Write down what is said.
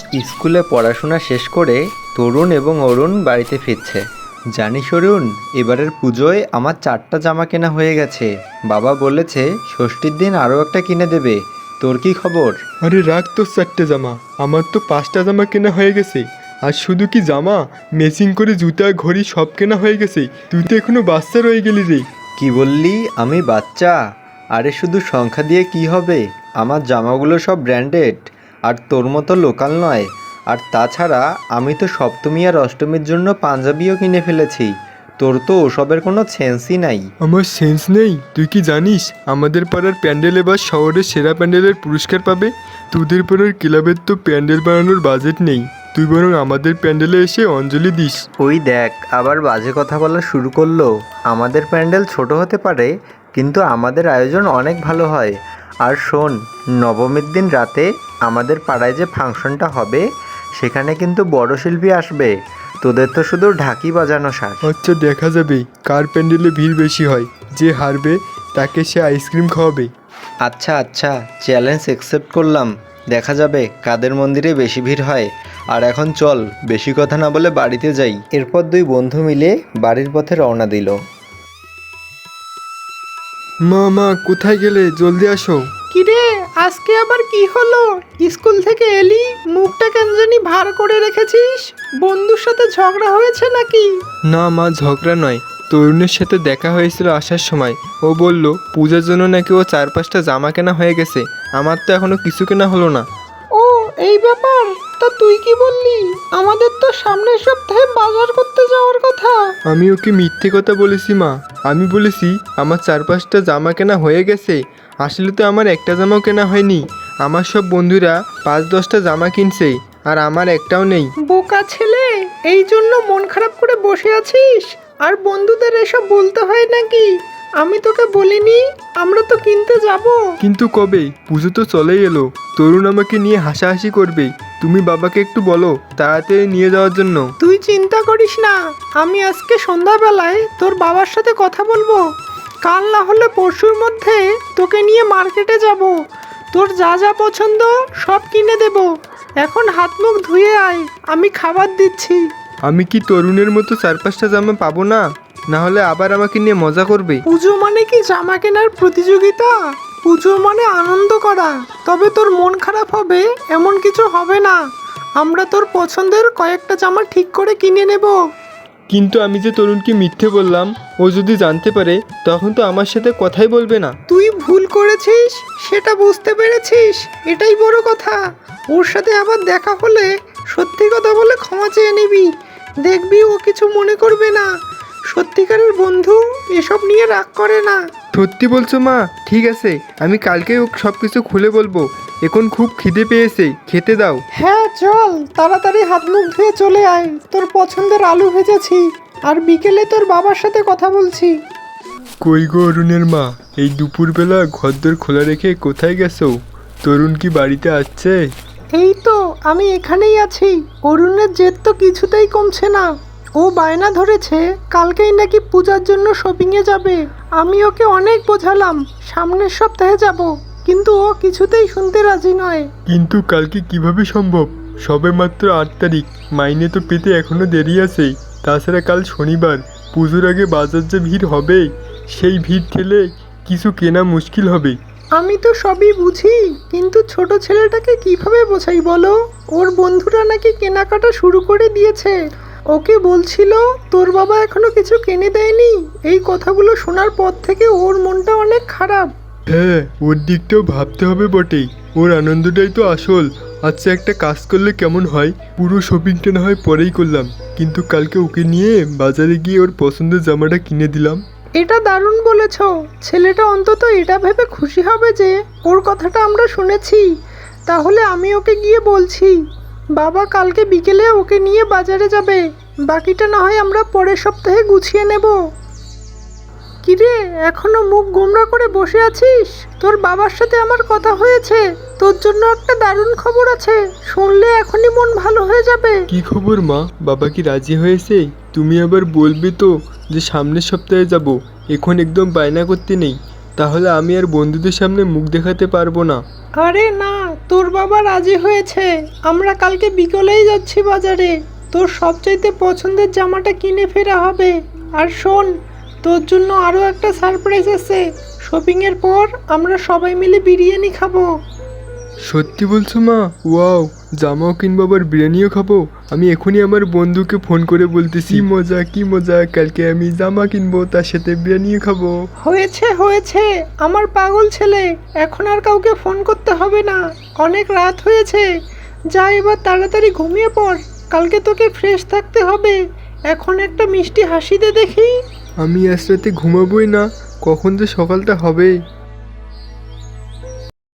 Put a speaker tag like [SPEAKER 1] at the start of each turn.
[SPEAKER 1] স্কুলে পড়াশোনা শেষ করে তরুণ এবং অরুণ বাড়িতে ফিরছে। জানিস অরুণ, এবারের পুজোয় আমার 4টা জামা কেনা হয়ে গেছে। বাবা বলেছে ষষ্ঠীর দিন আরও একটা কিনে দেবে। তোর কি খবর?
[SPEAKER 2] আরে রাখ তোর 4টে জামা, আমার তো 5টা জামা কেনা হয়ে গেছে। আর শুধু কি জামা, ম্যাচিং করে জুতা ঘড়ি সব কেনা হয়ে গেছে। তুই তো এখনো বাচ্চা রয়ে গেলি রে।
[SPEAKER 1] কি বললি? আমি বাচ্চা? আরে শুধু সংখ্যা দিয়ে কি হবে? আমার জামাগুলো সব ব্র্যান্ডেড, আর তোর মতো লোকাল নয়। আর তাছাড়া আমি তো সপ্তমী আর অষ্টমীর জন্য পাঞ্জাবিও কিনে ফেলেছি। তোর তো ওসবের কোনো সেন্সই নাই।
[SPEAKER 2] আমার সেন্স নেই? তুই কি জানিস আমাদের পাড়ার প্যান্ডেল এবার শহরের সেরা প্যান্ডেলের পুরস্কার পাবে? তোদের পাড়ার ক্লাবের তো প্যান্ডেল বানানোর বাজেট নেই। তুই বরং আমাদের প্যান্ডেলে এসে অঞ্জলি দিস।
[SPEAKER 1] ওই দেখ, আবার বাজে কথা বলা শুরু করলো। আমাদের প্যান্ডেল ছোট হতে পারে, কিন্তু আমাদের আয়োজন অনেক ভালো হয়। আর শোন, নবমীর দিন রাতে আমাদের পাড়ায় যে ফাংশনটা হবে, সেখানে কিন্তু বড় শিল্পী আসবে। তোদের তো শুধু ঢাকি বাজানো সার।
[SPEAKER 2] আচ্ছা, দেখা যাবে কার প্যান্ডেলে ভিড় বেশি হয়। যে হারবে তাকে সে আইসক্রিম খাওয়াবে।
[SPEAKER 1] আচ্ছা আচ্ছা, চ্যালেঞ্জ অ্যাকসেপ্ট করলাম। দেখা যাবে কাদের মন্দিরে বেশি ভিড় হয়। আর এখন চল, বেশি কথা না বলে বাড়িতে যাই। এরপর দুই বন্ধু মিলে বাড়ির পথে রওনা দিল।
[SPEAKER 2] মা মা, কোথায় গেলে? জলদি আসো।
[SPEAKER 3] কিরে, আজকে আবার কি হলো? স্কুল থেকে এলি, মুখটা কেন জানি ভার করে রেখেছিস? বন্ধুর সাথে ঝগড়া হয়েছে নাকি?
[SPEAKER 2] না মা, ঝগড়া নয়। তরুণের সাথে দেখা হয়েছিল আসার সময়। ও বলল পূজার জন্য নাকি ও 4-5টা জামা কেনা হয়ে গেছে। আমার তো এখনো কিছু কেনা হলো না।
[SPEAKER 3] ও, এই ব্যাপার। তা তুই কি বললি? আমাদের তো সামনের সপ্তাহে বাজার করতে যাওয়ার কথা।
[SPEAKER 2] আমি ওকে মিথ্যে কথা বলেছি মা। আমি বলেছি আমার 4-5টা জামা কেনা হয়ে গেছে। আসলে তো আমার একটা জামাও কেনা হয়নি। আমার সব বন্ধুরা 5-10টা জামা কিনছে, আর আমার একটাও নেই।
[SPEAKER 3] বোকা ছেলে, এই জন্য মন খারাপ করে বসে আছিস? আর বন্ধুদের এসব বলতে হয় নাকি? আমি তোকে বলিনি আমরা তো কিনতে যাব?
[SPEAKER 2] কিন্তু কবে? পুজো তো চলেই এলো। তরুণ আমাকে নিয়ে হাসাহাসি করবে। তুমি বাবাকে একটু বলো তাড়াতাড়ি নিয়ে যাওয়ার জন্য।
[SPEAKER 3] তুই চিন্তা করিস না, আমি আজকে সন্ধ্যাবেলায় তোর বাবার সাথে কথা বলবো। কাল না হলে পরশুর মধ্যে তোকে নিয়ে মার্কেটে যাব। তোর যা যা পছন্দ সব কিনে দেব। এখন হাত মুখ ধুয়ে আয়, আমি খাবার দিচ্ছি।
[SPEAKER 2] আমি কি তরুণের মতো 4-5টা জামা পাবো না? না হলে আবার আমাকে নিয়ে মজা করবে।
[SPEAKER 3] পুজো মানে কি জামা কেনার প্রতিযোগিতা? পুজো মানে আনন্দ করা। তবে তোর মন খারাপ হবে এমন কিছু হবে না। আমরা তোর পছন্দের কয়েকটা জামা ঠিক করে কিনে নেব।
[SPEAKER 2] কিন্তু আমি যে তরুণকে মিথ্যে বললাম, ও যদি জানতে পারে তখন তো আমার সাথে কথাই বলবে না।
[SPEAKER 3] তুই ভুল করেছিস, সেটা বুঝতে পেরেছিস, এটাই বড় কথা। ওর সাথে আবার দেখা হলে সত্যি কথা বলে ক্ষমা চেয়ে নিবি। দেখবি ও কিছু মনে করবে না। সত্যিকারের বন্ধু এসব নিয়ে রাগ করে না।
[SPEAKER 2] সত্যি বলছো মা? ঠিক আছে, আমি কালকেই ও সব কিছু খুলে বলবো। এখন খুব খিদে পেয়েছে, খেতে দাও।
[SPEAKER 3] হ্যাঁ চল, তাড়াতাড়ি হাত মুখ ধুয়ে চলে আয়। তোর পছন্দের আলু ভেজেছি, আর বিকেলে তোর বাবার সাথে কথা বলছি।
[SPEAKER 2] কই গো অরুণের মা, এই দুপুরবেলা ঘরদোর খোলা রেখে কোথায় গেছো? তরুণ কি বাড়িতে আছে?
[SPEAKER 3] এই তো আমি এখানেই আছি। অরুণের জেদ তো কিছুতেই কমছে না। ও বায়না ধরেছে কালকেই নাকি পূজার জন্য শপিংয়ে যাবে। আমি ওকে অনেক বোঝালাম সামনের সপ্তাহে যাব, কিন্তু ও কিছুতেই শুনতে রাজি নয়।
[SPEAKER 2] কিন্তু কালকে কিভাবে সম্ভব? সবে মাত্র 8 তারিখ, মাইনে তো পেতে এখনো দেরি আছে। তাছাড়া কাল শনিবার, পুজোর আগে বাজার যে ভিড় হবে, সেই ভিড় ঠেলে কিছু কেনা মুশকিল হবে।
[SPEAKER 3] আমি তো সবই বুঝি, কিন্তু ছোট ছেলেটাকে কিভাবে বোঝাই বলো? ওর বন্ধুরা নাকি কেনাকাটা শুরু করে দিয়েছে। ওকে বলছিল তোর বাবা এখনো কিছু কিনে দেয়নি। এই কথাগুলো শোনার পর থেকে ওর মনটা অনেক খারাপ।
[SPEAKER 2] হ্যাঁ, ওর দিকটাও ভাবতে হবে বটেই। ওর আনন্দটাই তো আসল। আচ্ছা, একটা কাজ করলে কেমন হয়? পুরো শপিংটা না হয় পরেই করলাম, কিন্তু কালকে ওকে নিয়ে বাজারে গিয়ে ওর পছন্দের জামাটা কিনে দিলাম।
[SPEAKER 3] এটা দারুণ বলেছ। ছেলেটা অন্তত এটা ভেবে খুশি হবে যে ওর কথাটা আমরা শুনেছি। তাহলে আমি ওকে গিয়ে বলছি বাবা কালকে বিকেলে ওকে নিয়ে বাজারে যাবে। বাকিটা না হয় আমরা পরের সপ্তাহে গুছিয়ে নেব। কিরে, এখনো মুখ গোমড়া করে বসে আছিস? তোর বাবার সাথে আমার কথা হয়েছে। তোর জন্য একটা দারুণ খবর আছে, শুনলে এখনই মন ভালো হয়ে যাবে।
[SPEAKER 2] কি খবর মা? বাবা কি রাজি হয়েছে? তুমি আবার বলবে তো যে সামনের সপ্তাহে যাব। এখন একদম বায়না করতে নেই, তাহলে আমি আর বন্ধুদের সামনে মুখ দেখাতে পারবো না।
[SPEAKER 3] আরে না, তোর বাবা রাজি হয়েছে, আমরা কালকে বিকেলেই যাচ্ছি বাজারে। তোর সবচাইতে পছন্দের জামাটা কিনে ফেরা হবে। আর শোন, তোর জন্য আরও একটা সারপ্রাইজ আছে। শপিংয়ের পর আমরা সবাই মিলে বিরিয়ানি খাবো।
[SPEAKER 2] সত্যি বলছো মা? ওয়াও, জামাও কিনবো আবার বিরিয়ানিও খাবো। আমি এখনই আমার বন্ধুকে ফোন করে বলতেছি, কি মজা কি মজা, কালকে আমি জামা কিনবো তার সাথে বিরিয়ানিও খাবো।
[SPEAKER 3] হয়েছে হয়েছে আমার পাগল ছেলে, এখন আর কাউকে ফোন করতে হবে না। অনেক রাত হয়েছে, যা এবার তাড়াতাড়ি ঘুমিয়ে পড়। কালকে তোকে ফ্রেশ থাকতে হবে। এখন একটা মিষ্টি হাসি দে দেখি।
[SPEAKER 2] আমি আজ রাতে ঘুমাবোই না, কখন যে সকালটা হবে।